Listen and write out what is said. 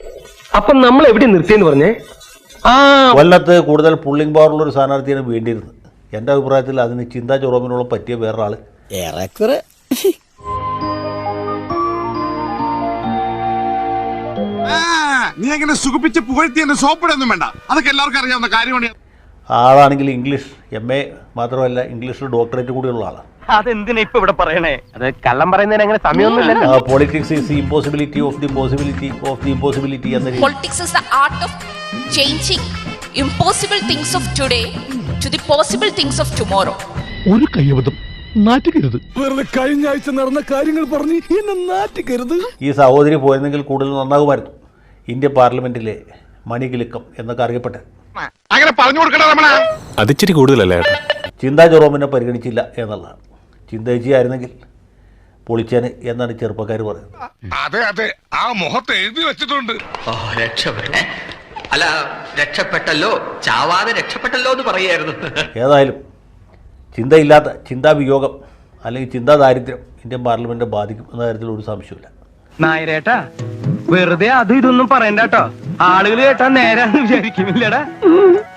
അപ്പം നമ്മൾ എവിടെ നിർത്തിയെന്ന് പറഞ്ഞേ? കൊല്ലത്ത് കൂടുതൽ പുള്ളിംഗ് പവറുള്ള ഒരു സ്ഥാനാർത്ഥിയാണ് വേണ്ടിയിരുന്നത്. എൻ്റെ അഭിപ്രായത്തിൽ അതിന് ചിന്താ ജെറോമിനോളം പറ്റിയ വേറൊരാൾ ഏറെക്കുറെ നീ അങ്ങനെ സുഖിപ്പിച്ച് പുകഴ്ത്തിയ സോപ്പിടൊന്നും വേണ്ട, അതൊക്കെ എല്ലാവർക്കും അറിയാവുന്ന കാര്യമാണ്. ആളാണെങ്കിൽ ഇംഗ്ലീഷ് MA മാത്രമല്ല, ഇംഗ്ലീഷിൽ ഡോക്ടറേറ്റ് കൂടിയുള്ള ആളാണ്. അതെന്തിനാ ഇപ്പൊ ഇവിടെ പറയണേ? അത് കള്ളം പറയുന്നതിന് അങ്ങനെ സമയമൊന്നുമില്ലല്ലോ. Politics is the impossibility of the possibility of the impossibility എന്ന രീതി. Politics is the art of changing impossible things of today to the possible things of tomorrow. ഒരു കയ്യബദ്ധം നാറ്റിക്കരുത്. വെറുതെ കഴിഞ്ഞ ആഴ്ച നടന്ന കാര്യങ്ങൾ പറഞ്ഞ് എന്നെ നാറ്റിക്കരുത്. ഈ സഹോദരി പോയിരുന്നെങ്കിൽ കൂടുതൽ നന്നാകുമായിരുന്നു. ഇന്ത്യ പാർലമെന്റിലെ മണികിലുക്കം എന്നൊക്കെ അറിയപ്പെട്ടെ. അങ്ങനെ പറഞ്ഞു കൊടുക്കണ രമണ. അതിച്ചിരി കൂടുതലല്ലേ? ചിന്താ ജെറോമിനെ പരിഗണിച്ചില്ല എന്നുള്ളതാണ്. ചിന്തേച്ചിയായിരുന്നെങ്കിൽ പൊളിച്ചേന് എന്നാണ് ചെറുപ്പക്കാർ പറയുന്നത്. അതെ അതെ, ആ മുഖത്ത് എഴുതി വെച്ചിട്ടുണ്ട്. അല്ല, രക്ഷപ്പെട്ടല്ലോ, ചാവാതെ രക്ഷപ്പെട്ടല്ലോ എന്ന് പറയായിരുന്നു. ഏതായാലും ചിന്തയില്ലാത്ത ചിന്താവിയോഗം അല്ലെങ്കിൽ ചിന്താ ദാരിദ്ര്യം ഇന്ത്യൻ പാർലമെന്റിനെ ബാധിക്കും എന്ന കാര്യത്തിൽ ഒരു സംശയമില്ല. നായരേട്ടാ, വെറുതെ അതും ഇതൊന്നും പറയണ്ട കേട്ടോ. ആളുകൾ കേട്ടാ നേരാന്ന് വിചാരിക്കുന്നില്ലടാ.